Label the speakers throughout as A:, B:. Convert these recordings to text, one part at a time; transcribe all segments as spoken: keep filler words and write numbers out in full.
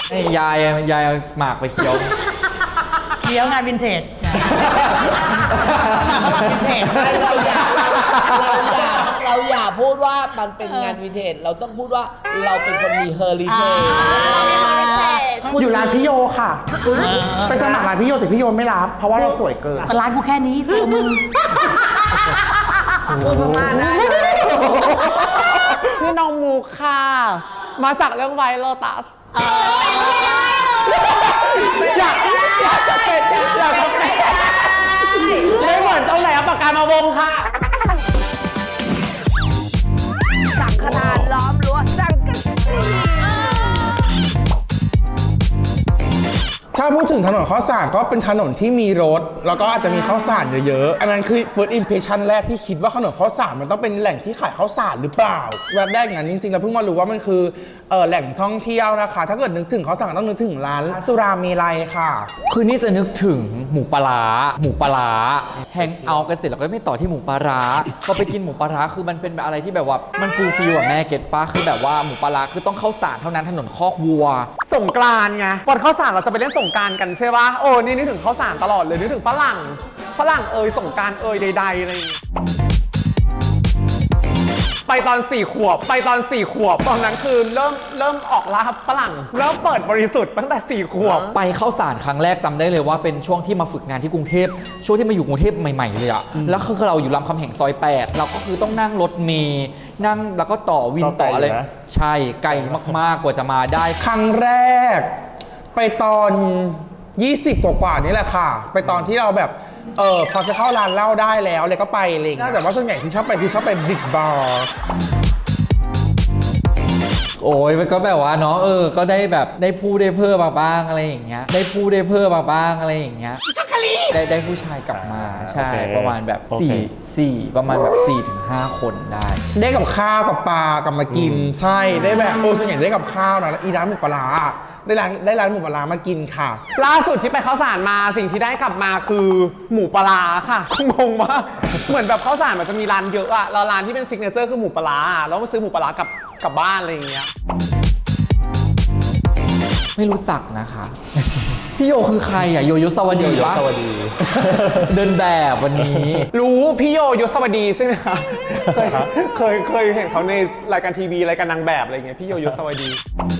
A: ให้ยายยายหมากไปเคี้ยว
B: เคี้ยวงานวินเทจวินเทจ
C: เราอย่าเราอย่าเราอย่าพูดว่ามันเป็นงานวินเทจเราต้องพูดว่าเราเป็นคนมีเฮอริเทจ
D: อยู่ร้านพี่โยค่ะไปสมัครร้านพี่โยแต่พี่โยไม่รับเพราะว่าเราสวยเกิน
B: ร้านกูแค่นี้ตัวมึง
C: พูดพม่าได้
D: พี่น้องมูค่ะมาจากเรื่องไวโรตัสอยากอยากจะเป็นอยากจะเป็นไม่เหมือนตรงไหนเอาปากกามาวงค่ะ
C: สังฆทานล้อมรั้วสังกะสี
D: ถ้าพูดถึงถนนข้าวสารก็เป็นถนนที่มีรถแล้วก็อาจจะมีข้าวสารเยอะๆอันนั้นคือ first impression แรกที่คิดว่าถนนข้าวสารมันต้องเป็นแหล่งที่ขายข้าวสารหรือเปล่าแวบแรกอย่างนั้นจริงๆแล้วเพิ่งมารู้ว่ามันคือเออแหล่งท่องเที่ยวนะคะถ้าเกิดนึกถึงข้าวสารต้องนึกถึงร้านสุราเมลัยค่ะ
A: คือนี่จะนึกถึงหมูปลาหมูปลาแฮงเอากันเสร็จแล้วก็ไม่ต่อที่หมูปลาพอไปกินหมูปลาคือมันเป็นแบบอะไรที่แบบว่ามันฟูลฟิลอะแม่เก็ตป้าคือแบบว่าหมูปลาคือต้องข้าวสารเท่านั้นถนนคอกวัว
D: สงกรานต์ไงวันข้าวสารเราจะไปเล่นสงกรานต์กันใช่ปะโอ้นี่นึกถึงข้าวสารตลอดเลยนึกถึงฝรั่งฝรั่งเอ่ยสงกรานต์เอ่ยใดๆอะไรอย่างเงี้ยไปตอนสี่ขวบไปตอนสี่ขวบตอนนั้นคือเริ่มเริ่มออกล่าฝรั่งเริ่มเปิดบริสุทธิ์ตั้งแต่สี่ขวบ
A: ไปเข้าสารครั้งแรกจำได้เลยว่าเป็นช่วงที่มาฝึกงานที่กรุงเทพช่วงที่มาอยู่กรุงเทพใหม่ๆเลยอะแล้วคือเราอยู่รามคำแหงซอยแปดเราก็คือต้องนั่งรถเมล์นั่งแล้วก็ต่อวินต่ออะไรใช่ไกลมากๆกว่าจะมาได้
D: ครั้งแรกไปตอนยี่สิบกว่าๆนี่แหละค่ะไปตอนที่เราแบบเออพอจะเข้าร้านเหล้าได้แล้วเลยก็ไปอะไรอย่างเงี้ยแต่ว่าส่วนใหญ่ที่ชอบไปคือชอบไปบิ๊กบาร์
A: โอ้ยมันก็แบบว่าเนาะเออก็ได้แบบได้พูดได้เพิ่มมาบ้างอะไรอย่างเงี้ยได้พูดได้เพิ่มมาบ้างอะไรอย่างเงี้ยได้ได้ผู้ชายกลับมาใช่ประมาณแบบสี่สี่ประมาณแบบสี่ถึงห้าคนได้
D: ได้กับข้าวกับปลากลับมากินใช่ได้แบบโอ้ส่วนใหญ่ได้กับข้าวนะแล้วอีร้านหมูปลาได้ร้านได้ร้านหมูปลามากินค่ะล่าสุดที่ไปข้าวสารมาสิ่งที่ได้กลับมาคือหมูปลาค่ะงงมากเหมือนแบบข้าวสารมันจะมีร้านเยอะอะแล้วร้านที่เป็นซิกเนเจอร์คือหมูปลาแล้วมาซื้อหมูปลากลับกลับบ้านอะไรอย่างเงี้ย
A: ไม่รู้จักนะคะพี่โยคือใครอ่ะโยยศวดีปะเดินแบบวันนี้
D: รู้พี่โยยศวดีใช่ไหมคะเคยเคยเคยเห็นเขาในรายการทีวีรายการนางแบบอะไรเงี้ยพี่โยยศวดี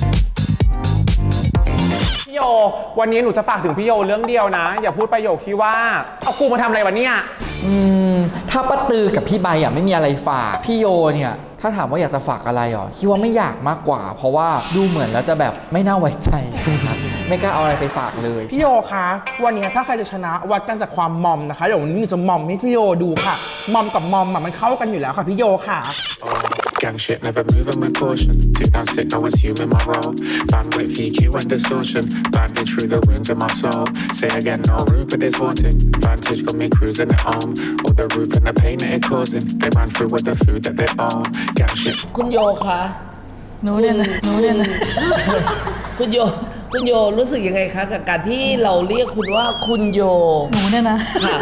D: พี่โยวันนี้หนูจะฝากถึงพี่โยเรื่องเดียวนะอย่าพูดประโยคที่ว่าเอากูมาทำอะไรวะเนี่ย
A: อืมถ้าป้าตือกับพี่ใบอ่ะไม่มีอะไรฝากพี่โยเนี่ยถ้าถามว่าอยากจะฝากอะไรหรอคิดว่าไม่อยากมากกว่าเพราะว่าดูเหมือนแล้วจะแบบไม่น่าไว้ใจไม่กล้าเอาอะไรไปฝากเลย
D: พี่โยคะวันนี้ถ้าใครจะชนะวัดกันจากความมอมนะคะเดี๋ยววันนี้หนูจะมอมให้พี่โยดูค่ะมอมกับมอมมันเข้ากันอยู่แล้วค่ะพี่โยค่ะ
E: Gang shit, never moving with caution. Too damn sick, no one's human, my role. Bandwidth, V Q and distortion. Bandage through the wounds in my soul. Say again, no room for this haunting. Vantage got me cruising at home. All the roof and the pain that it causing. They ran through with the food that they own. Gang shit.
C: คุณโยคะ
B: หนูเนี่ยหนูเนี่ย
C: คุณโยคุณโยรู้สึกยังไงคะกับการที่เราเรียกคุณว่าคุณโย
B: หนูเนี่ยนะ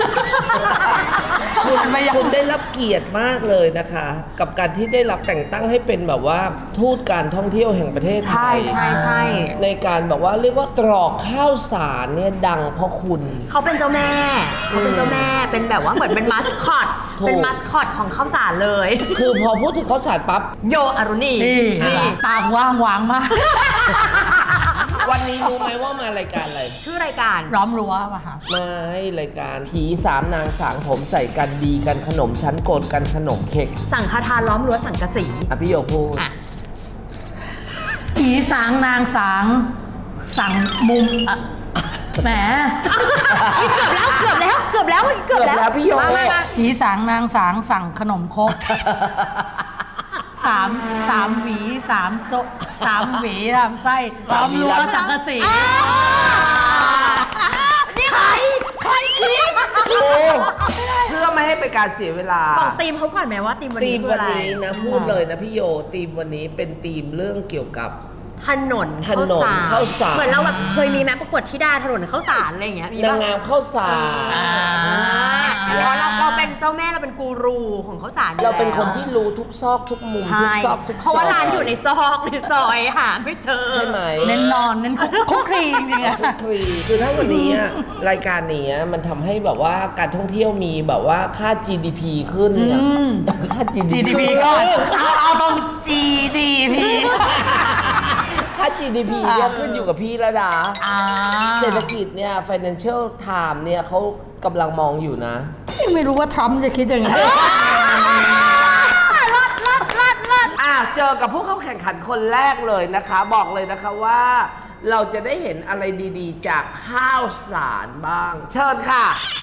C: คุณคุณได้รับเกียรติมากเลยนะคะกับการที่ได้รับแต่งตั้งให้เป็นแบบว่าทูตการท่องเที่ยวแห่งประเทศไทย
B: ใช่ใช่ใช่
C: ในการแบบว่าเรียกว่าตรอกข้าวสารเนี่ยดังเพราะคุณ
F: เขาเป็นเจ้าแม่เขาเป็นเจ้าแม่เป็นแบบว่าเหมือนเป็นมัสคอตเป็นมัสคอตของข้าวสารเลย
C: คือพอพูดถึงข้าวสารปั๊บ
F: โยอรุณี
B: นี่ตาว่างวางมาก
C: วันนี้รู้ไหมว่ามารายการอะไร
F: ชื่อรายการ
B: ล้อมรั้วป่ะคะ
C: ไม่รายการผีสามนางสางผมใส่กันดีกันขนมชั้นโกนกันขนมเค้ก
F: สังฆทานล้อมรั้วสังกะสี
C: อ่ะพี่โยพูด
B: ผีสางนางสางสั่งมุมอะแหม
F: เกือบแล้วเกือบแล้วเกือบแล้วเกือบแล้ว
C: พี่โย
B: ผีสางนางสางสั่งขนมครกสามสามหวีสามโซสามหวีทำไส้ล้อมรั้วสังกะสี
F: นี่ใครใครคิด
C: เพื่อไม่ให้เป็นการเสียเวลา
F: บอกทีมเขาก่อนไหมว่าทีมวันนี้คืออะไร
C: ทีมวันนี้นะพูดเลยนะพี่โยทีมวันนี้เป็นทีมเรื่องเกี่ยวกับ
F: ถนน
C: ถนนข้าวสาร
F: เหมือนเราแบบเคยมีแม้ประกวดที่ได้ถนนข้าวสารอะไรอย่างเงี้ย
C: นางงามข้าวสาร
F: เราเราเราเป็นเป็นเจ้าแม่เราเป็นกูรูของข้าวสารอยู่
C: เราเป็นคน
F: แล้ว
C: ที่รู้ทุกซอกทุกมุม
F: ใช่
C: ทุกซอกทุกซอย
F: เพราะว่าร้านอยู่ในซอกในซอยหาไม่เจอ
C: ใช่ไหม
B: เน้นนอนเน้นคุกคุกคลีจริงๆอะ
C: คลีคือถ้าวันนี้อะรายการนี้มันทำให้แบบว่าการท่องเที่ยวมีแบบว่าค่า จี ดี พี ขึ้นเนี่ยค่า จี
B: จี ดี พี ก่อนเอาเอาตรง จี ดี พี
C: ค่า จี ดี พี เนี่ยขึ้นอยู่กับพี่ระดา
B: อ่า
C: เศรษฐกิจเนี่ย Financial Times เนี่ยเขากำลังมองอยู่นะ
B: ไม่รู้ว่าทรัมป์จะคิดยังไง
C: อ่ะเจอกับผู้เข้าแข่งขันคนแรกเลยนะคะ บอกเลยนะคะว่าเราจะได้เห็นอะไรดีๆ จากข้าวสารบ้าง เชิญค่ะ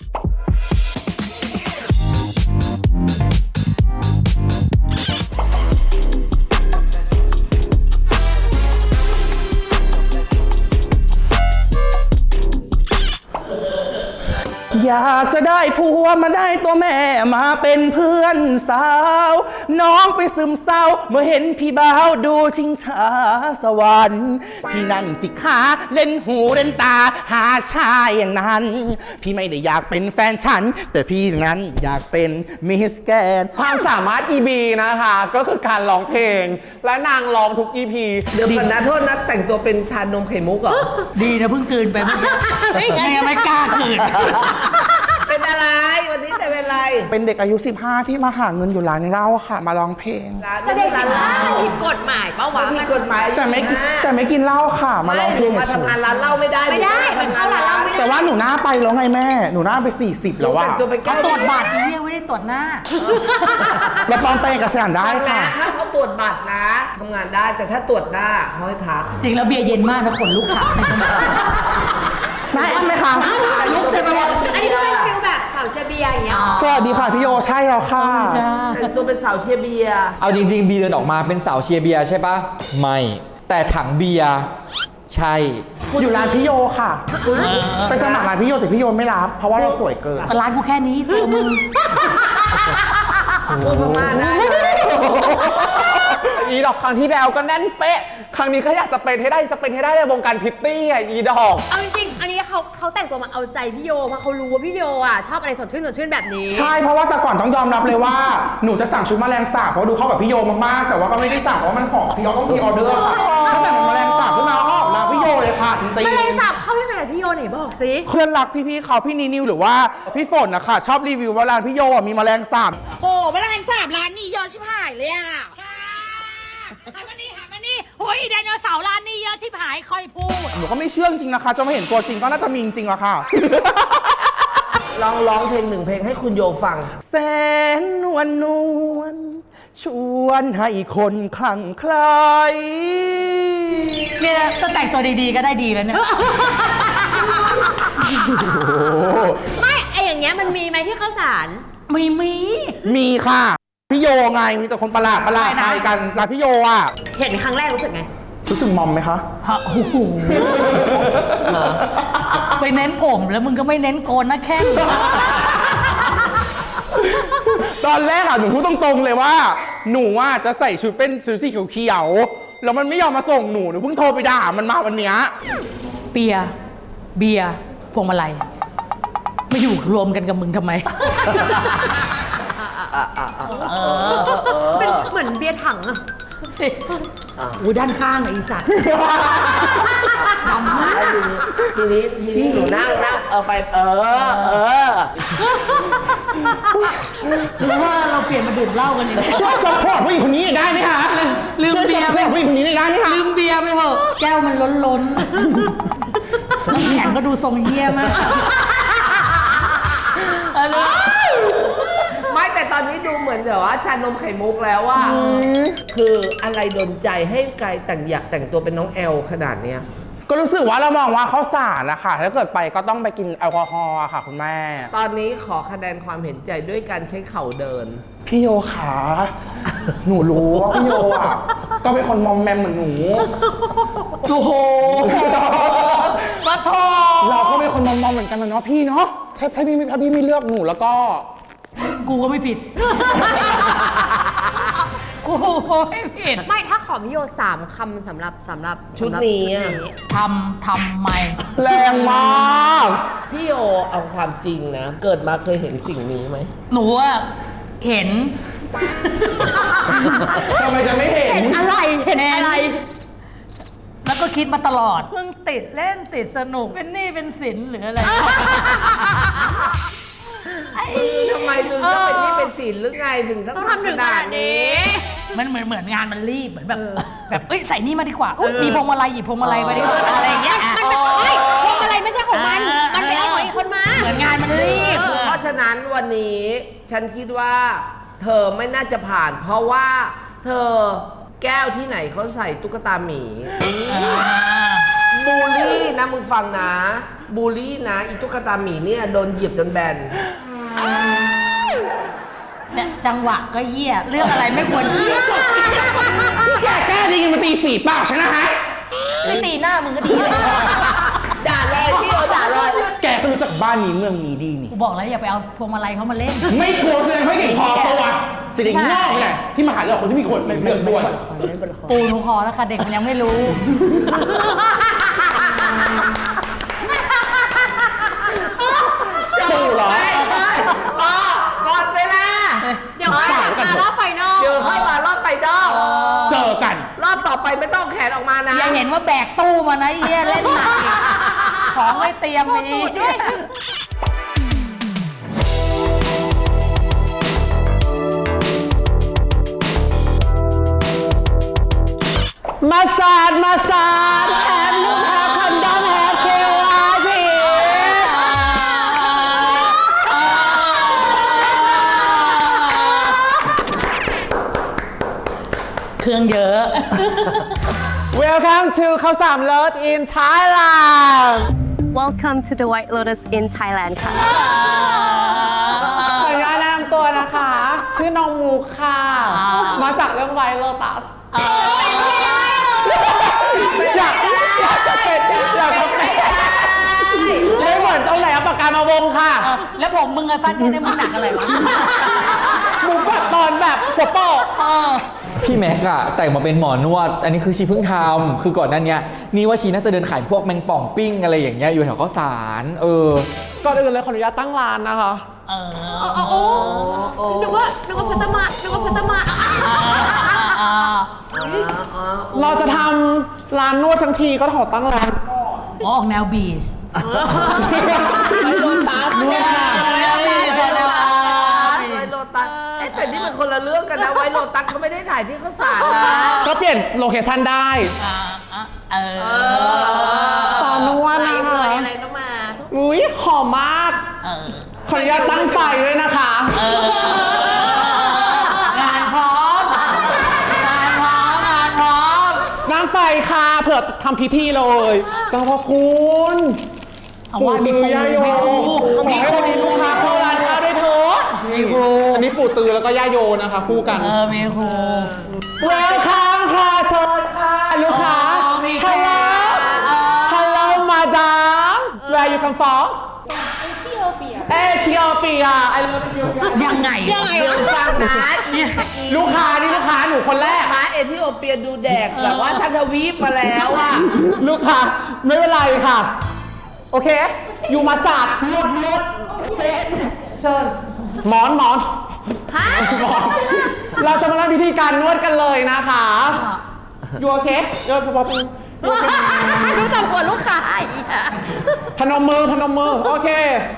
D: อยากจะได้ผัวมาได้ตัวแม่มาเป็นเพื่อนสาว น้องไปซึมเศร้าเมื่อเห็นพี่บ่าวดูชิงช้าสวรรค์พี่นั่นจิกขาเล่นหูเล่นตาหาชายอย่างนั้น พี่ไม่ได้อยากเป็นแฟนฉัน แต่พี่นั้นอยากเป็นมิสแกนความสามารถ อี บี นะคะ ก็คือการร้องเพลง และนางร้องทุก อี พี
C: เดี๋ยวก่อนนะโทษนะแต่งตัวเป็นชานมไข่มุกเหรอ
B: ดีนะเพิ่งกลืนไปเมื่อกี้ไม่งั้นไม่กล้ากลืน
C: เป็นอะไรวันนี้แต่เป็นอะไร
D: เป็นเด็กอายุ สิบห้า ที่มาหาเงินอยู่ร้านเหล้าค่ะ มาร้องเพลง
C: ร้าน
F: แต่
C: ไม่
F: เด็
C: ใช่
F: ก
C: ร้าน
F: สิบ
C: เหล้า
F: ห้าผิดกฎหมายเปล่าวะ
C: มันผิดกฎหมาย
D: แต่ไม่กินแต่ไม่กินเหล้าค่ะ มาร้องเพลง
C: ไม่มา
D: เฉ
C: ทำงาน
D: ย
C: ร้านเหล้าไม่ได้
F: ไม่ได้มันเข้าร้านเหล้าไม่
D: ๆ
F: ได้
D: แต่ว่าหนูหน้าไปแล้วไงแม่ หนูหน้าไป สี่สิบ แล้ว
C: แต่
D: ว่ะ
C: งตัวเป็น
B: เขา
C: แก้ว
B: ตรวจบัตรไอ้เหี้ยไม่ได้ตรวจหน้า
D: แล้วปลอมแปลงเอกสารได้
C: ฟังนะ
D: ค่ะ
C: ถ้าเขาตรวจบัตรนะทำงานได้แต่ถ้าตรวจหน้าเขาให้พัก
B: จริงแล้วเบียร์เย็นมากนะขนลุกขาในสมอง
D: แม่ไหมคะ
B: ลุกเต็มไปหมด
F: อันนี้ก็เป็นฟิลแบบสาวเชเบียร์อย่างเงี้ย
D: สวัสดีค่ะพี่โยใช่แล้วค่ะ
B: จ้า
C: แต่งตัวเป็นสาวเชียร์เบียร์
A: เอาจริงๆ บีเดินออกมาเป็นสาวเชียร์เบียร์ใช่ปะไม่ แต่ถังเบียร์ใช่
D: อยู่ร้านพี่โยค่ะ ไปสมัครร้านพี่โยแต่พี่โยไม่รับ เพราะว่าเราสวยเกิน
B: ก็ร้านกูแค่นี้ตัวมึง
C: พูดพม่าได้
D: อีดอกครั้งที่แล้วก็แน่นเป๊ะ ครั้งนี้ก็อยากจะเป็นให้ได้จะเป็นให้ได้ในวงการพิตตี้อ่ะอีดอก
F: เอาจริงๆ อันนี้เขาเขาแต่งตัวมาเอาใจพี่โยเพราะเขารู้ว่าพี่โยอ่ะชอบอะไรสดชื่นสดชื่นแบบนี้
D: ใช่เพราะว่าแต่ก่อนต้องยอมรับเลยว่าหนูจะสั่งชุดแมลงสาบเพราะดูเข้ากับพี่โยมากๆแต่ว่าก็ไม่ได้สั่งเพราะว่ามันหอมพี่โยต้องมีออเดอร์ค่ะถ้าแต่งเป็นแมลงสาบขึ้นมาก็ออกร้านพี่โยเลยค่ะจริง
F: แมลง
D: ๆ
F: สาบเข้ายังไงกับพี่โยไหนบอกสิ
D: เพื่อนรักพี่ๆเขาพี่นิวหรือว่าพี่ฝนนะคะชอบรีวิวว่าร้านพี่โยอ่ะมีแมลงสาบ
B: โอ้แมลงสาบร้านนี้เยอะชิบหายเลยอ่ะหามานี่หามานี่โอ้ยไดโนเสาร์ร้านนี้เยอะชิบหายค่อยพูด
D: หนูก็ไม่เชื่อจริงๆนะคะจะมาเห็นตัวจริงก็น่าจะมีจริงๆอะค่ะ
C: ลองร้องเพลงหนึ่งเพลงให้คุณโยฟัง
D: แสนนวลนวลชวนให้คนคลั่งไคล้
B: เนี่ยถ้าแต่งตัวดีๆก็ได้ดีแล้วเนี่ย
F: ไม่ไออย่างเงี้ยมันมีไหมที่ข้าวสาร
B: มีมี
D: มีค่ะ พี่โยไงมีแต่คนประหลาดประหลาดไปกันร้านพี่โยอ่ะ
F: เห็นครั้งแรกรู้สึกไง
D: รู้สึกมอมไหมคะ
B: ฮะโอ้โหไปเน้นผมแล้วมึงก็ไม่เน้นโกนนะแค่ง
D: ตอนแรกอะหนูพูดตรงๆเลยว่า หนูอะจะใส่ชุดเป็นชุดสีเขียวๆแล้วมันไม่ยอมมาส่งหนูหนูเพิ่งโทรไปด่ามันมาวันเนี้ย
B: เปียร์เบียร์พวงมาลัยไม่อยู่รวมกันกับมึงทำไม
F: เป็นเหมือนเบียร์ถังอะ
B: อู้ด้านข้างอะอีสัตว์ ดำมาก
C: ทีนี้ทีนี้หนูนั่งนั่งเอาไปเออเออ
B: หรือว่าเราเปลี่ยนมาดื่มเหล้ากันดีไหม
D: ช่วยซัพพอร์ตผู้หญิงคนนี้ได้ไหมคะ
B: ลืมเบียร์
D: ช่วซัพพอร์ตผู้หญิงคนนี้ได้ไหมคะ
B: ลืมเบียร์ไปเถอะแก้วมันล้นล้นๆน้ำแข็งก็ดูทรงเฮี้ยมากเออ
C: ไม่แต่ตอนนี้ดูเหมือนแบบว่าชานมไข่มุกแล้วว่าคืออะไรดนใจให้กายแต่งอยากแต่งตัวเป็นน้องแอลขนาดเนี้ย
D: ก็รู้สึกว่าเรามองว่าเขาสารนะคะถ้าเกิดไปก็ต้องไปกินแอลกอฮอล์อะค่ะคุณแม่
C: ตอนนี้ขอคะแนนความเห็นใจด้วยการใช้เข่าเดิน
D: พี่โยขาหนูรู้ว่าพี่โยอ่ะก็เป็นคนมอมแมมเหมือนหนูโอ้โหมาทอเราก็เป็นคนมอมมอมเหมือนกันนะเนาะพี่เนาะถ้าถ้าพี่ถ้าพี่ไม่เลือกหนูแล้วก็
B: กูก็ไม่ผิดกูไม่ผิด
F: ไม่ถ้าขอพี่โยสามคำสำหรับสำหรับ
C: ชุดนี้อะ
B: ทำทำไม
D: แรงมาก
C: พี่โอเอาความจริงนะ เกิดมาเคยเห็นสิ่งนี้ไหม
B: หนูอะเห็น
D: ทำไมจะไม่เห็น
F: เห็นอะไรเห็นอะไร
B: แล้วก็คิดมาตลอดเพิ่งติดเล่นติดสนุกเป็นหนี้เป็นสินหรืออะไร
C: ทำไมถึงต้องเป็นนี่เป็นศีลหรือไงถึงต้อง
F: ต้องทำถึงขนาดนี้
B: มันเหมือนเหมือนงานมันรีบเหมือนแบบแบบเอ้ยใส่นี่มาดีกว่าอุ๊ยมีพวงมาลัยหยิบพวงมาลัยมาดีกว่าอะไรอย่างเงี้ย
F: มันเป็นเฮ้ยพวงมาลัยไม่ใช่ของมัน มันไปเอาของอีกคนมา
B: เหมือนงานมันรีบ
C: เพราะฉะนั้นวันนี้ฉันคิดว่า เธอไม่น่าจะผ่าน เพราะว่าเธอแก้วที่ไหนเขาใส่ตุ๊กตาหมีบูลลี่นะมึงฟังนะบูลลี่นะอีตุ๊กตาหมีเนี่ยโดนเหยียบจนแบน
B: เนี่ยจังหวะก็เหี้ยเรื่องอะไรไม่ควรเหี้ย
D: แกแก้ดีกันมาตีฝีปากฉันนะฮะ
B: ไม่ตีหน้ามึงก็ดีเลย
C: ด่าเลยพี่โอด่าเลย
D: แกก็รู้จักบ้านนี้เมืองนี้ดีนี่
B: กูบอกแล้วอย่าไปเอาพวงมาลัยเขามาเล่น
D: ไม่กลัวแสดงไม่เก่งพอตัวสิ่งนอกไงที่มาหาเราคนที่มีคนเป็นเรื่องด้วย
B: ปูหนูขอแล้วค่ะเด็กมันยังไม่รู้
D: ปูเหรอ
C: อ๋อก่อนเวลา
F: เดี๋ยวค่อยมารอบไฟนอล
C: เจอเข้ามารอบไปดอก
D: เจอกัน
C: รอบต่อไปไม่ต้องแขนออกมานะ
B: อย่าเห็นว่าแบกตู้มานะไอ้เหี้ยเล่นหนักอีกของไม่เตรียมอีก
D: มาสาดมาสาดแฮมลูกแฮมคอนดอมแฮมเคลาที
B: เครื่องเยอะ
D: Welcome to ข้าวสามรส in Thailand
G: Welcome to the White Lotus in Thailand ค่ะ
D: ขออนุญาตแนะนำตัวนะคะ ชื่อน้องมูค่ะ มาจากเรื่อง White Lotus อยากอยากจะเป็นอยากจะเป็นไม่เหมือนเอาแหลมปากกามาวงค่ะ
B: แล้วผมมึงไอ้ฟันแค่นี้มึงหนักอะไรวะ
D: มุกแบบตอนแบบหัวโปก
A: พี่แม็กอะแต่งมาเป็นหมอนวด อันนี้คือชีเพิ่งทำคือก่อนหน้านี้นี่ว่าชีน่าจะเดินขายพวกแมงป่องปิ้งอะไรอย่างเงี้ยอยู่แถวข้าวสารเออ
D: ก่อนอื่นเลยขออนุญาตตั้งร้านนะคะ
B: เออ
F: โอ้โอ้นึกว่านึกว่าพัชมานึกว่าพัชมา
D: เราจะทำร้านนวดทั้งทีก็ขอตั้งร้าน
B: ออกแนวบีช
C: ไวโรตัสเนี่ย
B: ไวโรตัส
C: ไวโรตัสเอ๊ะแต่นี่มันคนละเรื่องกันนะไวโรตัสเขาไม่ได้ถ่ายที่ข้าวสารนะ
D: ก็เปลี่ยนโลเคชั่นได้
B: อ่าอ่ะเออ
D: สอนนวด
F: อะไร
D: นะ
F: เอ่
D: คะ
F: ยอะไรต้องมา
D: อุ้ยหอมมาก
B: เออ
D: ขออนุญาตตั้งไฟด้วยนะคะ
B: งานพร้อม งานพร้อม งานพร้อม
D: ตั้งไฟค่ะเผื่อทำพิธีเลยเจ้าพ่อคุณ
B: เอาว่ามีปู
D: ย่าโย
B: มีครู
D: ขอให้วันนี้ลูกค้าเข้าร้านข้าวด้วยเถอะ
B: มีครู
D: อันนี้ปู่ตือแล้วก็ย่าโยนะคะคู่กัน
B: เออ มีครู
D: เวลคัมค่ะเชิญค่ะลูกค้า
B: อ๋อมีค่ะ
D: ฮัลโหล ฮัลโหลมาดาม Where you come from เอธิโอเปีย I love Ethiopia
B: ยังไง
F: ยังไง
C: เดี๋ยวฟังนะอี
D: ลูกค้านี่ลูกค้าหนูคนแรก
C: ค้าเอธิโอเปียดูแดกแบบว่าทั้งทวีปมาแล้วอะ
D: ลูกค้าไม่เป็นไรค่ะ โอเค อยู่มาศาสตร์นวดนวดเชิญหมอนหมอน
F: ฮะ
D: หมอน เราจะมาทำพิธีการนวดกันเลยนะคะอยู่โอเคเดี๋ยวพอเป็น
F: รู้จักกวนลูกค้าอีกอะ
D: พนมมือพนมมือ โอเค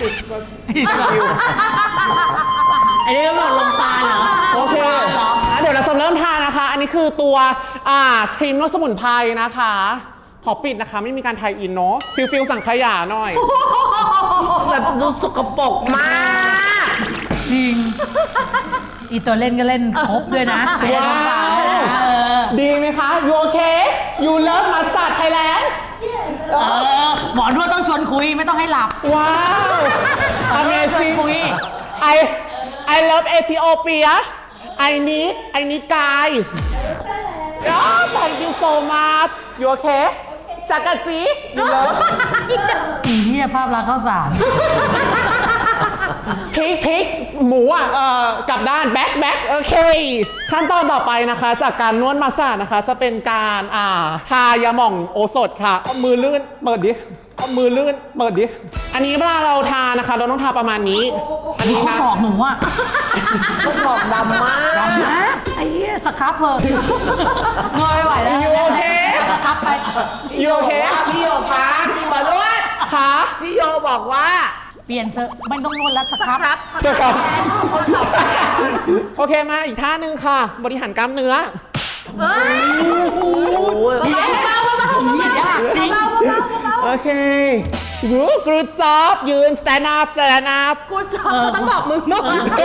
B: อันนี้ก็บอกลมปานเหรอ
D: โอเคเดี๋ยวเราจะเริ่มทานนะคะ อันนี้คือตัวอ่าครีมนวดสมุนไพรนะคะ ขอปิดนะคะ ไม่มีการไทยอินเนาะฟิลฟิลสั่งขยะหน่อย
C: แบบดูสกปรกมาก
B: จริง อีตัวเล่นก็เล่นครบด้วยนะ
D: ว้าว
B: เออ
D: ดีไหมคะ you okay you love massage Thailand
B: เออ หมอนวดต้องชวนคุยไม่ต้องให้หลับ
D: ว้าว amazing I I love Ethiopia I need I need guy oh thank you so much you okay จักรจี you love
B: อีเหี้ยภาพลักษณ์ข้าวสาร
D: พริกพริกหมูอ่ะเอ่อกลับด้านแบ็คแบ็คโอเคขั้นตอนต่อไปนะคะ จากการนวดมาสซาจนะคะ จะเป็นการอ่าทายาหม่องโอสถค่ะเอามือลื่นเปิดดิเอามือลื่นเปิดดิอันนี้เวลาเราทานะคะ เราต้องทาประมาณนี้ อันนี้
B: ข้อ
D: นะ
B: ศอกหนูอะ
C: ก็บอกดำมาก
B: ดำนะไอ้เหี้ยสครับเพอเงยไหวแล้ว
D: อยู่โอเค
B: สครับไป
D: อยู่โอเค
C: พี่โยคะพี่บอลลวด
D: ค่ะ
C: พี่โยบอกว่า
B: เปลี่ยนเถอะไม่ต้องนวดแล้วสครับ
D: เสร็จครับโอเคมาอีกท่าหนึ่งค่ะ บริหารกล้ามเนื้อ โอเคยูกรูจ็อบยืน stand up stand up
F: กูจอบเขาต้องบอกมึงเนาะ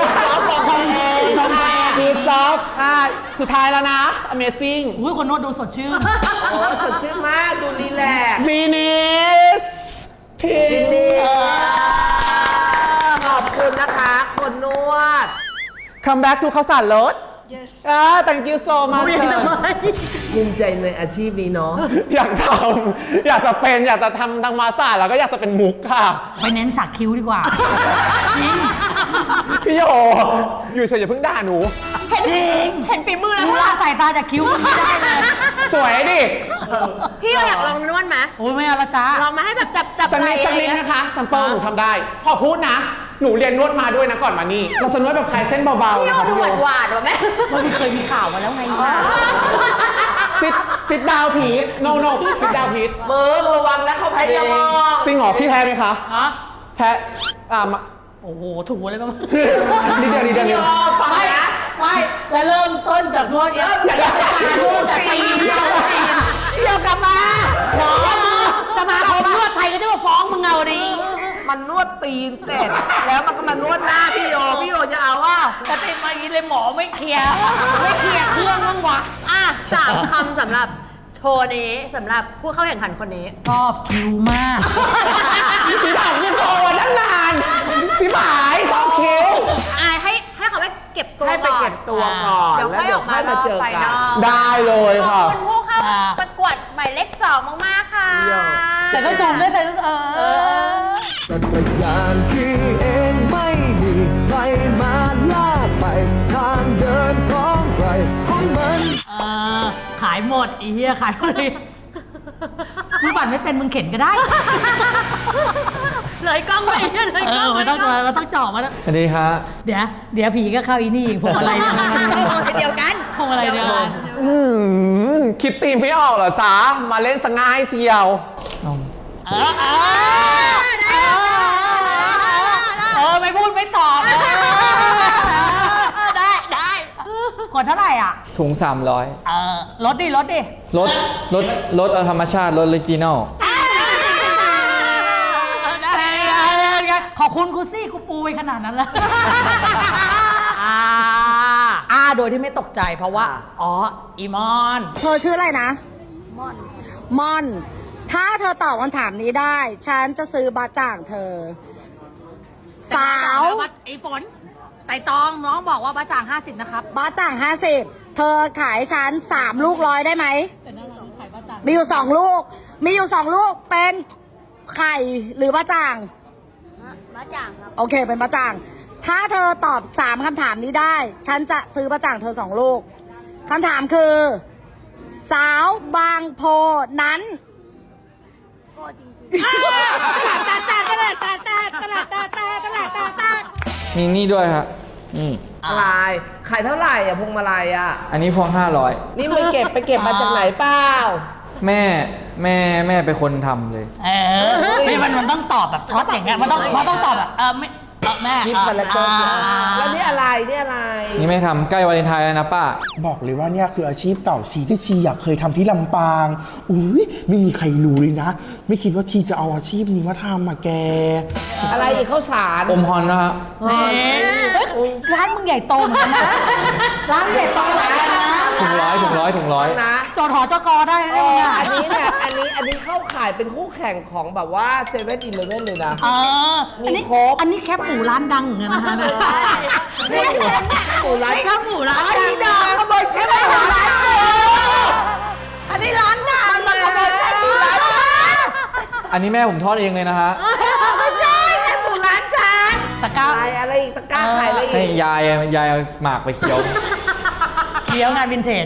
D: กรูจ็อบอ่ะสุดท้ายแล้วนะ amazing
B: อุ้ยคนนวดดูสดชื่น
C: โอ้สดชื่นมากดูรีแลกซ์
D: finish
C: ฟิ
D: finish
C: นิชขอบคุณนะคะ คนนวด
D: come back to ข้าวสารรถ yes อ่า thank you so much
C: ภูมิใจในอาชีพนี้เนาะ
D: อยากทำอยากจะเป็นอยากจะทำทางมาสซาจแล้วก็อยากจะเป็นมุกค่ะ
B: ไปเน้นสักคิ้วดีกว่าจริง
D: พี่โยอยู่เฉยอย่าเพิ่งด่าหนู
F: เห็นเห็นฝีมือแล้ว
B: ดู
F: ค่ะ
B: ละสายตาจากคิ้วมันไม่ได้เลย
D: สวยดิ
F: พี่อยากลองนวดไหม
B: โอ้ยไม่เอาละจ้า
F: ลองมาให้แบบจับจับ
D: สัก
F: ไห
D: นิ
F: ล่
D: ดสักนิดนะคะซัมเปิลหนูทำได้ พอพูดนะ หนูเรียนนวดมาด้วยนะก่อนมานี่ เราจะนวดแบบคลายเส้นเบาๆ
F: พี่
D: นะ
F: โย
D: คะ
F: ดู
D: พี่โย
F: หวานหวานๆว่ะแม่
B: มันเคยมีข่าวมาแล้วไงว่า
D: ซิดซิดดาวพีทโนโนซิดดาวพีท
C: มือระวังนะเขาพยายามมอง
D: จริงเหรอพี่แพ้ไหมคะ
B: ฮะ
D: แพ้อ่ามา
B: โอ้โหถูกเลยมั้ง
D: นิดเดียวนิดเดียวนิดเดียว
C: ฟังนะ
B: ไม่แล้วเริ่มต้นจากนวดเนี้ยจากการนวดจากตีนเดี๋ยวกลับมาหมอสมาคมนวดไทยก็จะมาฟ้องมึงเอาดิ
C: มันนวดตีนเสร็จ แล้วมันก็มานวดหน้าพี่โยพี่โยจะเอาว่า
B: แต่เป็นมาอย่างนี้เลยหมอไม่เคลียร์ไม่เคลียร์เครื่องบ้างวะ
F: อ่ะสามคำสำหรับโชว์นี้สำหรับผู้เข้าแข่งขันคนนี้
B: ชอบคิ้วมาก
D: พี่ถามพี่โชว์วันตั้งนานพี่หมายชอบคิ้ว
F: อ่ะให้ให้เขาไปเก็บตัว
C: ให้ไปเก็บตัวก่อน
F: เดี๋ยว
C: แล้ว
F: ค่อย
C: เดี๋
F: อ
C: ยว
F: อก
C: ค่
F: มา
C: อยมาเจอ
F: ไฟ
C: กัน
F: นอก
D: ได้เลย
F: ข
D: ค่ะ
F: อบคุณผู้เข้า
B: อ่า
F: ประกวดหมายเลขสองมากๆค่ะ
B: ใส่ส้นสูงด้วยใส่ส้นเอ
F: เอ
B: อ
F: อ
H: จักรยานขี่เองไม่มีใครมาลากไป ทางเดินของใครของมัน
B: เออขายหมดอีเหี้ยขายหมดเลยมึงปั่นไม่เป็นมึงเข็นก็ได้
F: เลยกล้องไปเลย
B: เอก
F: ล้
B: อ
F: อง
B: มันต้อง
F: เลยกล้
B: มันต้องเจาะมันต้อง
A: สวัสดีครับ
B: เดี๋ยวเดี๋ยวผีก็เข้าอีนี่พวงอะไรเนี่ย
F: เดียวกัน
B: พวงอะไรเดียวกัน
D: อืมคิดตีมไม่ออกเหรอจ๊ะ มาเล่นสง่ายเชียว
B: เออเออเออไม่พูดไม่ตอบเออ
F: ได้ได้
B: กดเท่าไหร่อ่ะ
A: ถุง สามร้อย
B: เออลดดิลดดิ
A: รถรถรถเอาธรรมชาติรถออริจินอล
B: ขอบคุณกูซี่กูปูไปขนาดนั้นแล้วอ่าอ่าโดยที่ไม่ตกใจเพราะว่า อ๋อ อีมอน
G: เธอชื่ออะไรนะ ม่อน ม่อน ถ้าเธอตอบคำถามนี้ได้ ฉันจะซื้อบาจ่างเธอ สาว
B: ไอ้ฝนไต่ตองน้องบอกว่าบะจ่างห้าสิบนะครับ
G: บาจ่างห้าสิบเธอขายฉันสามลูกร้อยได้ไหม มีอยู่สองลูก มีอยู่สองลูกเป็นไข่หรือบาจ่าง
F: มาจ่างครับ
G: โอเค เป็นบะจ่าง ถ้าเธอตอบสามคำถามนี้ได้ ฉันจะซื้อบะจ่างเธอสองลูกคำถามคือ สาวบางโพนั้น
F: โก้จริง
G: ตาตาตาตาตาตาตาตาตาตาตาตา
A: มีนี่ด้วยครับนี่
C: อะไรขายเท่าไหร่อ่ะพวงมาลัยอ่ะ
A: อันนี้พวงห้าร้อย
C: นี่ไปเก็บไปเก็บมาจากไหนเปล่า
A: แม่แม่แม่เป็นคนทำเลย
B: เออไม่มันมันต้องตอบแบบช็อตอย่างเงี้ยมันต้องมันต้องตอบแบบเออไม่เออแม่
C: คิดคาแรคเตอร์
B: อ่า
C: แล้วนี่อะไรนี่อะไร
A: นี่แม่ทำใกล้วาเลนไทน์แล้วนะป้า
D: บอกเลยว่าเนี่ยคืออาชีพเก่าชีที่ชีอยากเคยทำที่ลำปางอุ้ยไม่มีใครรู้เลยนะ ไม่คิดว่าชีจะเอาอาชีพนี้มาทำมาแก
C: อะไรอีกข้าวสาร
A: อมฮอนนะฮะ
B: เฮ้ยร้านมึงใหญ่โตเหมือนกันนะร้านใหญ่โตเหมือนกันนะ
A: ถุงร้อยถุงร้อยถุงร้อย
C: นะ
B: จอดหอจกอได้นะ
C: เอ
B: เนี่ย
C: ออันนี้เนี่ยอันนี้อันนี้เข้าขายเป็นคู่แข่งของแบบว่าเซเว่นอีเลฟเว่นเลยนะ
B: เออ
C: มี
B: อันนี้
C: ครบ
B: อันนี้แคบหมูร้านดังเหมือนกันนะคะเนี่ย
C: นี่หมูหมูร้าน
B: แคบหมูร้าน
C: อันนี้ดังขโมยแค่ไหนร้านเดียวอันนี้ร้านดังมันมาขโมยแค่หมูร้าน
A: อันนี้แม่ผมทอดเองเลยนะฮะ
C: ไม่ใช่แค่หมูร้านฉัน
B: ตะกร้า
C: ขายอะไรอีกตะกร้าขายอะไรอี
A: ให้
C: ก
A: ยายยายเอาหมากไปเคี้ยว
B: เคี้ยวงานวินเทจ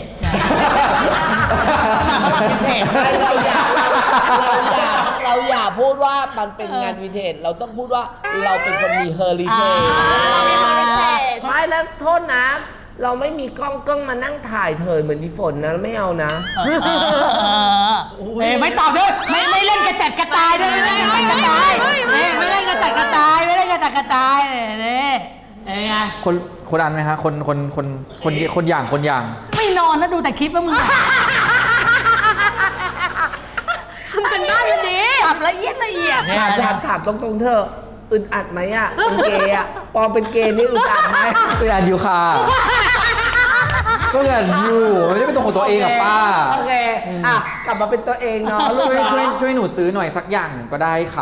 B: หมากฝรั่งวินเทจ
C: ไม่เราอย่าเราเราอย่าเราอย่าพูดว่ามันเป็นงานวินเทจเราต้องพูดว่าเราเป็นคนมีเฮอริเทจ
F: เรามีความพิเศษ
C: ไม่แล้วโทษนะ เราไม่มีกล้องกล้องมานั่งถ่ายเธอเหมือนที่ฝนนะไม่เอานะ
B: เออเอ้ยไม่ตอบด้วยไม่ไม่เล่นกระจัดกระจายด้วยไม่เล่นกระจัดกระจายเอ้ยไม่เล่นกระจัดกระจายไม่เล่นกระจัดกระจายเนี่ยเอ้ยไง
A: คนคนอันไหมฮะคนคนคนคนคนอย่างคนอย่าง
B: ไม่นอนนะดูแต่คลิปว่ามึง
F: ทำกันบ้านกันดี
B: ปรับละเอียดละเอียด
C: ถามถามถามตรงๆเธอะอึดอัดไหมอ่ะเป็นเกย์อ่ะปอเป็นเกย์นี่อึดอัดไหม
A: คืออันอยู่ค่ะก็คืออันอยู่ไม่ได้เป็นตัวของตัวเองอะป้า
C: โอเคอ่ะกลับมาเป็นตัวเองเนาะลูก
A: ช่วย
C: เนาะ
A: ช่วยช่วยหนูซื้อหน่อยสักอย่างหนึ่งก็ได้ค่ะ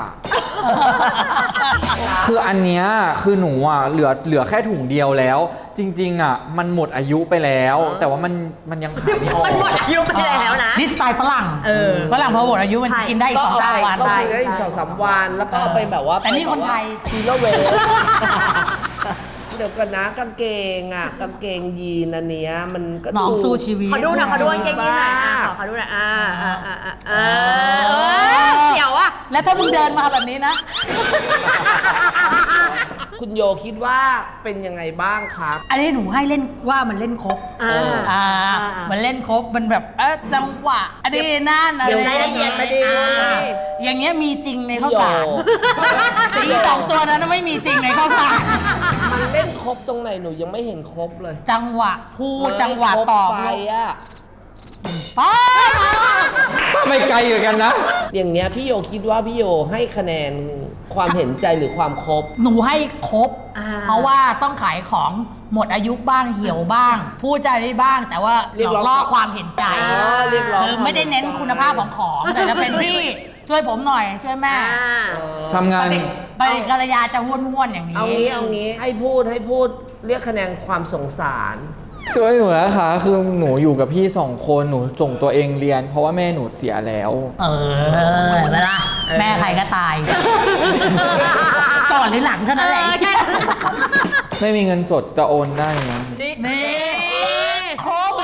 A: คืออันเนี้ยคือหนูอ่ะเหลือเหลือแค่ถุงเดียวแล้ว จริงๆอ่ะมันหมดอายุไปแล้ว แต่ว่ามันมันยังขายไม่ออก
F: มันหมดอายุไปแล้วนะ
B: นี่สไตล์ฝรั่ง
F: เออ
B: ฝรั่งพอหมดอายุมันจะกินได้อีก
C: ก็
B: สอง
C: เอา
B: สาม
C: ไป
B: วัน
C: ก็กินได้อีกสองสามวันแล้วก็เอาไปแบบว่า
B: แต่นี่คนไทย
C: ซีโร่เวสเดี๋ยวกันนะกางเกงอ่ะกางเกงยีนอันเนี้ยมันก็
B: น้องสู้ชีวิต
F: ขอดูหน่อยขอดูกางเกงยีนหน่อยอ่ะขอขอดูหน่อยอ่าอ่าอ่าอ่าอ่าเออเดี๋ยวอ่ะ
B: แล้วถ้ามึงเดินมาแบบนี้นะ
C: คุณโยคิดว่าเป็นยังไงบ้างครับ
B: อันนี้หนูให้เล่นว่ามันเล่นครบ
F: อ่า
B: อ่า
F: อ่ามั
B: มันเล่นครบมันแบบเออจังหวะอันนี้นั่นอะไร
F: เดี๋ยวรายละเอียดมาดี
B: อ่าอย่างเงี้ยมีจริงในข้าวสาร
C: พี่โย
B: สีสองตัวนั้นไม่มีจริงในข้าวสาร
C: มันเล่นครบตรงไหนหนูยังไม่เห็นครบเลย
B: จังหวะพูดจังหวะตอบ
C: ไปอ่ะ
B: ป้า
A: ไม่ไกลเหมือนกันนะ
C: อย่างเนี้ยพี่โยคิดว่าพี่โยให้คะแนนความเห็นใจหรือความครบ
B: หนูให้ครบ
F: อ่า
B: เพราะว่าต้องขายของหมดอายุบ้างเหี่ยวบ้าง พูดใจาได้บ้าง แต่ว่า
C: เรียกร้อง
B: ล่อความเห็นใจ
C: อ๋อเรียกร้อง
B: คือไม่ได้เน้นคุณภาพของของ แต่จะเป็นพี่ช่วยผมหน่อยช่วยแม่
F: อ่า
A: ทำงาน
B: ไปกระยาจะห้วนๆอย่างนี้
C: เอางี้เอางี้ให้พูดให้พูดเรียกคะแนนความสงสาร
A: ช่วยหนูนะคะคือหนูอยู่กับพี่สองคนหนูส่งตัวเองเรียน เพราะว่าแม่หนูเสียแล้ว
B: เออเห็นไหมล่ะแม่ใครก็ตาย ก่อนหรือหลังเท่านั้นแหละ
F: เออใช่
A: ไม่มีเงินสดจะโอนได้นะ
B: นี่โคบ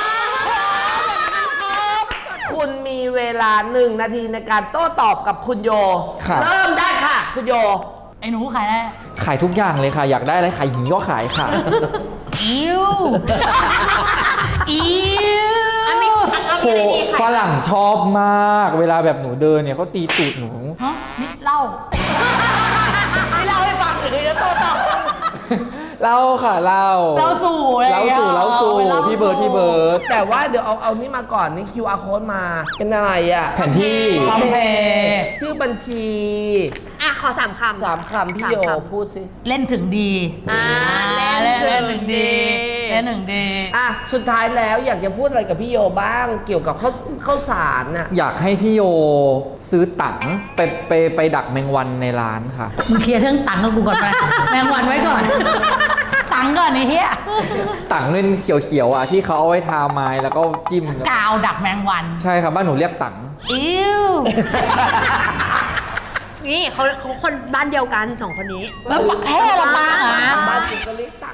C: คุณมีเวลาหนึ่งนาทีในการโต้ตอบกับคุณโย
A: ค่ะ
C: เริ่มได้ค่ะ คุณโย
B: ไอ้หนูขายได้
A: ขายทุกอย่างเลยค่ะ อยากได้อะไรขายหญิงก็ขายค่ะ
B: อิ้วอิ้ว
A: โหฝรั่งชอบมาก เวลาแบบหนูเดินเนี่ยเขาตีตูดหนู
B: ฮะนี่เล่าไม่เล่าให้ฟังหรือจะโตต่อ
A: เล่าค่ะเล่า
B: เล่าสู่อะไรอย่
A: เล่าง
B: งี้ย
A: สู่เล่าสู่
B: เล่า
A: พี่เบิร์ดพี่เบิร์ด
C: แต่ว่าเดี๋ยวเอาเอานี่มาก่อนนี่ คิว อาร์ code มาเป็นอะไรอ่ะ
A: แผนที่
B: พร้อมเพย์
C: ชื่อบัญชี
F: อ่ะขอสามคำ
C: สามคำพี่โย
F: สามคำ
C: พูดสิ
B: เล่นถึงดี
F: อ่า
B: เล่น
F: เล่
B: เล่
F: น
B: น
F: ถึ
B: ถึ
F: ง
B: ง
F: ดี
B: ดีเล่นถึงดี
C: อ่ะ สุดท้ายแล้วอยากจะพูดอะไรกับพี่โยบ้างเกี่ยวกับข้าวข้าวสารน่ะ
A: อยากให้พี่โยซื้อตังค์ไปไปไปดักแมงวันในร้านค่ะ
B: มึงเคลียร์เรื่องตังค์กับกูก่อนไปแมงวันไว้ก่อน ตังค์ก่อนไอ้เหี้ย
A: ตังค์เงินเขียวๆอ่ะที่เขาเอาไว้ทาไม้แล้วก็จิ้ม
B: กาวดักแมงวัน
A: ใช่ครับบ้านหนูเรียกตังค์
B: อิ้ว
F: นี่เขาเขาคนบ้านเดียวกันสองคนนี้
B: แล้วแพ้ลำบากอ่ะ
C: บ้านจริงก็เรียกตังค์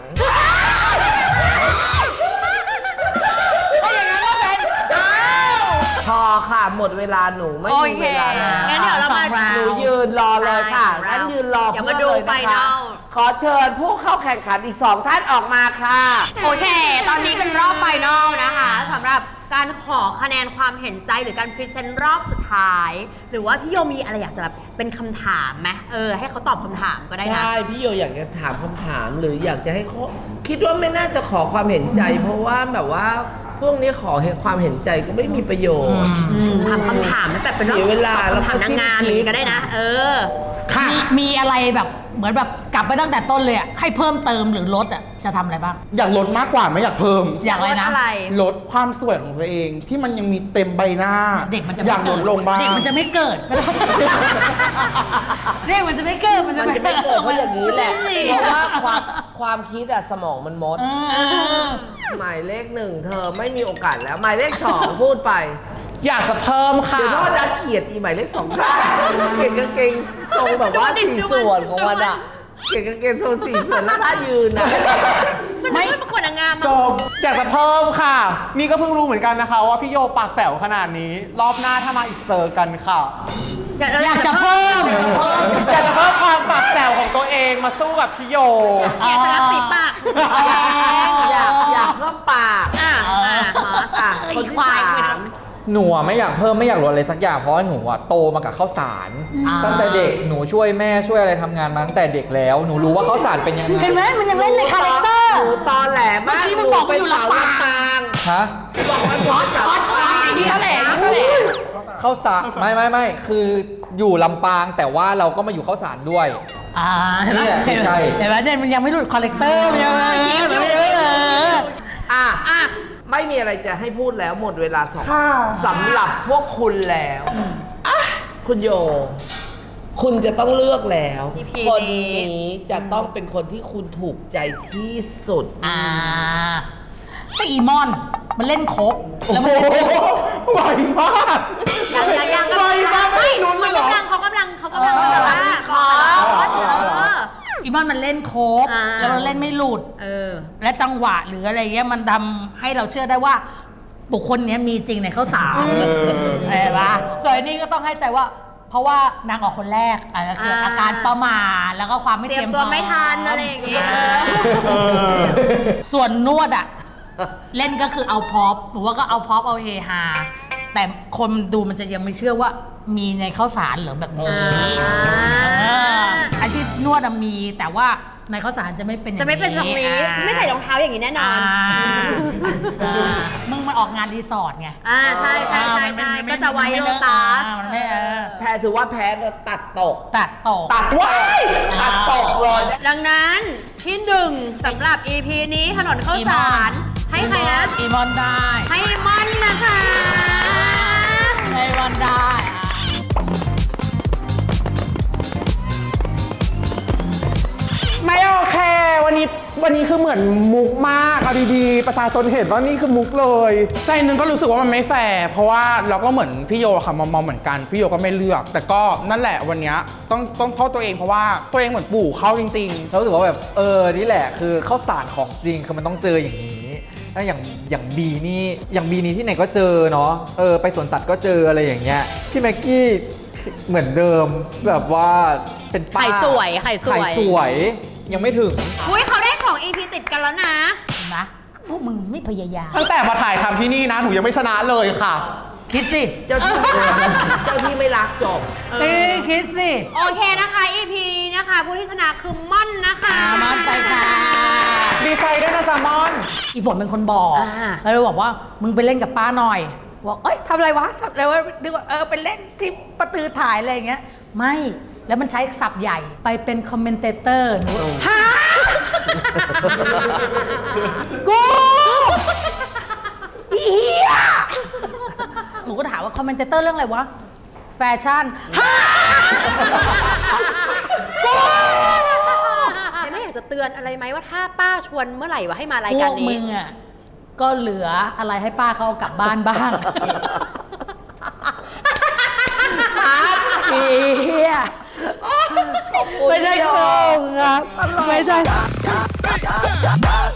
C: พอค่ะ หมดเวลาหนูไม่
F: โอ
C: มี
F: เค
C: เวลาแล้ว
F: งั้นเดี๋ยวเรามา
B: สองราว
C: หนูยืนรอเลยค่ะ
F: ใช่
C: งั้นยืนรอ
F: เดี๋ยว
C: เพื่
F: มา
C: อน
F: ดู
C: เลย
F: ไฟ
C: นะ
F: น
C: คะ
F: อล
C: ขอเชิญผู้เข้าแข่งขันอีกสองท่านออกมาค่ะ
F: โอเค ตอนนี้เป็นรอบไฟนอลนะคะสำหรับการขอคะแนนความเห็นใจหรือการพรีเซนต์รอบสุดท้าย หรือว่าพี่โยมีอะไรอยากจะแบบเป็นคำถามไหมเออให้เขาตอบคำถามก็ได้นะ
C: ใช่ พี่โยอยากจะถามคำถามหรืออยากจะให้เขาคิดว่าไม่น่าจะขอความเห็นใจ เพราะว่าแบบว่าพวกนี้ขอความเห็นใจก็ไม่มีประโยชน์
F: อืมถามคำถามไม่แบบเป็นรอบ
C: เสียเวลา
F: ตอบคำถาม
C: แล้วก็
F: นางงาม
C: สิ้นคิด
F: อย่างนี้ก็ได้นะ เออ
B: มีมีอะไรแบบเหมือนแบบกลับไปตั้งแต่ต้นเลยอ่ะให้เพิ่มเติมหรือลดอ่ะจะทำอะไรบ้าง
D: อยากลดมากกว่าไม่อยากเพิ่ม
B: อยากอะไรนะ
F: ลดอะไร
D: ลดความสวยของตัวเองที่มันยังมีเต็มใบหน้า
B: เด็กมันจะ
D: อ
B: ไม่
D: ยากล
B: เกิ
D: ด
B: ด
D: ลงบ้าง
B: เด็กมันจะไม่เกิด เด็กมันจะไม่เกิดมันจะ
C: มันจะไม่เกิดเพราะอย่างนี้แหละ
F: ไม่
C: เพราะว่าความความคิดอะสมองมันมด
B: เออ
C: หมายเลขหนึ่งเธอไม่มีโอกาสแล้ว หมายเลขสองพูดไป
D: อยากจะเพิ่มค่ะ
C: เดี๋ยวโทษนะเกลียดอีหมายเลขสองค่ะเกลียดกางเกงทรงแบบว่าสี่ส่วนของมันอะเก่งกางเกงโซสีเสือแล้วท่ายืนนะ
F: มันไม่ประกวดนางงาม
D: จ
F: อะ
D: บอยากจะเพิ่มค่ะ นี่ก็เพิ่งรู้เหมือนกันนะคะว่าพี่โยปากแจ๋วขนาดนี้ รอบหน้าถ้ามาอีกเจอกันค่ะ
B: อยากจะเพิ่ม
D: อยากจะเพิ่มความปากแจ๋วของตัวเองมาสู้กับพี่โย
F: อยากจะรับสีปาก
C: อยากอยากเพิ่มปาก
F: อ่ะอ่ะฮอสอ่ะ
C: คนที่สาม
A: หนูอะไม่อยากเพิ่มไม่อยากลดอะไรสักอย่างเพราะว่าหนูอะโตมากับข้าวสาร ตั้งแต่เด็กหนูช่วยแม่ช่วยอะไรทำงานมาตั้งแต่เด็กแล้วหนูรู้ว่าข้าวสารเป็นยังไง
B: เห็นไหมมันยังเล่นในคาแรคเตอร์
C: หนูตอแหลมาก
B: เมื่อกี้มึงบอกว่าอยู่ลำปาง
A: ฮะ
C: บอกว่าช็อตช็อตช็อต
B: นี่ตะแหลนี่ตะแหล
A: ข้าวสารไม่ไม่ไม่คืออยู่ลำปางแต่ว่าเราก็มาอยู่ข้าวสารด้วย
B: อ่าเห็นไหม
A: เนี่ยใช่
B: เห็นไหมเนี่ยมันยังไม่หลุดคาแรคเตอร์มันยังไม่ไม่ไม่ไม่เออ
C: อ่ะอ่ะไม่มีอะไรจะให้พูดแล้วหมดเวลาสองสำหรับพวกคุณแล้วอ่ะคุณโย คุณจะต้องเลือกแล้ว
F: อี พี
C: คนนี้จะต้องเป็นคนที่คุณถูกใจที่สุด
B: อ่าแต่อีมอนมันเล่นครบแล้วมันเล่น
D: ไหวมาก
F: ยังยังยัง
D: ไหวมาก
F: ไม่
D: ไม่ลุ้นเลยเหรอ
F: เขากำลังเขากำลังเขากำลังแบบว่าขอเออ
B: อีมอนมันเล่นครบ
F: อ่า
B: แล้วมันเล่นไม่หลุด
F: เออ
B: และจังหวะหรืออะไรเงี้ยมันทำให้เราเชื่อได้ว่า บุคคลเนี้ยมีจริงในข้าวสารเห็นปะส่วนอันนี้ก็ต้องให้ใจว่า เพราะว่านางออกคนแรกอาจจะเกิดอาการประมาทแล้วก็ความไม่
F: เต
B: เต
F: รี
B: รี
F: ย
B: ย
F: ม
B: ม
F: ตัว
B: พร้
F: ไม่ทันอะไรอย่างเงี้ย
B: เออส่วนนวดอ่ะ เล่นก็คือเอาพอปหรือว่าก็เอาพอปเอาเฮฮาแต่คนดูมันจะยังไม่เชื่อว่ามีในข้าวสารเหรือแบบนี้
F: อ่า
B: เอออาชีพนวดอะมีแต่ว่าในข้าวสารจะไม่เป็นอย่าง
F: จะไม่เป็นตรงนี้
B: อ่า
F: ไม่ใส่รองเท้าอย่างนี้แน่นอน
B: อ่าอ่ามึงมันออกงานรีสอร์ทไง
F: อ่าใช่ใช่ใช่ใช่ก็จะไวโรตัส
B: มันไม่เออ
C: แพ้ถือว่าแพ้จะตัดตก
B: ตัดตก
C: ตัดว้ายตัดตกเลย
F: ดังนั้นที่หนึ่งสำหรับ อี พี นี้ถนนข้าวสารให้ใครนะ
B: อีมอนได้
F: ให้มันนะคะ
B: ให้มอนได้อ่ะ
D: ไม่โอเค วันนี้วันนี้คือเหมือนมุกมากเอาดีๆประชาชนเห็นว่านี่คือมุกเลยใจหนึงก็รู้สึกว่ามันไม่แฟร์เพราะว่าเราก็เหมือนพี่โยค่ะมองๆเหมือนกันพี่โยก็ไม่เลือก แต่ก็นั่นแหละวันนี้ต้องต้องโทษตัวเองเพราะว่าตัวเองเหมือนปู่เขาจริง
A: เรารู้สึกว่าแบบเออนี่แหละคือข้าวสารของจริงคือมันต้องเจออย่างนี้ถ้าอย่างอย่างบีนี่อย่างบีนี่ที่ไหนก็เจอเนาะเออไปสวนสัตว์ก็เจออะไรอย่างเงี้ยพี่แม็กกี้เหมือนเดิมแบบว่าเป็นป้า
F: ไข่สวยไข่สวย
A: ไข่สวยยังไม่ถึง
F: อุ้ยเขาได้สอง อี พี ติดกันแล้วนะ
B: เห็นไหมพวกมึงไม่พยายาม
D: ๆ ตั้งแต่มาถ่ายทำที่นี่นะหนูยังไม่ชนะเลยค่ะ
B: คิดสิ
C: เจ้าที่เจ้าที่ไม่รักจบ
B: เอ้ยคิดสิ
F: โอเคนะคะ อี พี นี้นะคะ ผู้ที่ชนะคือม่อนนะคะ
B: อ่ามั่นใจค่ะ
D: ดีใจด้วยนะแซลมอน
B: อีฝนเป็นคนบอก
F: อ่า
B: แล้วเลยบอกว่ามึงไปเล่นกับป้าหน่อยบอกเอ้ยทำอะไรวะทำอะไรวะนึกว่าเออไปเล่นที่ประตือถ่ายอะไรอย่างเงี้ยไม่แล้วมันใช้ศัพท์ใหญ่ไปเป็นคอมเมนเตเตอร์หนูฮะกูเฮียหนูก็ถามว่าคอมเมนเตเตอร์เรื่องอะไรวะแฟชั่นฮะ
F: แต่ไม่อยากจะเตือนอะไรไหมว่าถ้าป้าชวนเมื่อไหร่ว่าให้มาราย
B: พ
F: การ
B: วก
F: นี้
B: มึงอ่ะก็เหลืออะไรให้ป้าเขาเอากลับบ้านบ้างเฮียไม่ใช่โครงครับไม่ใช่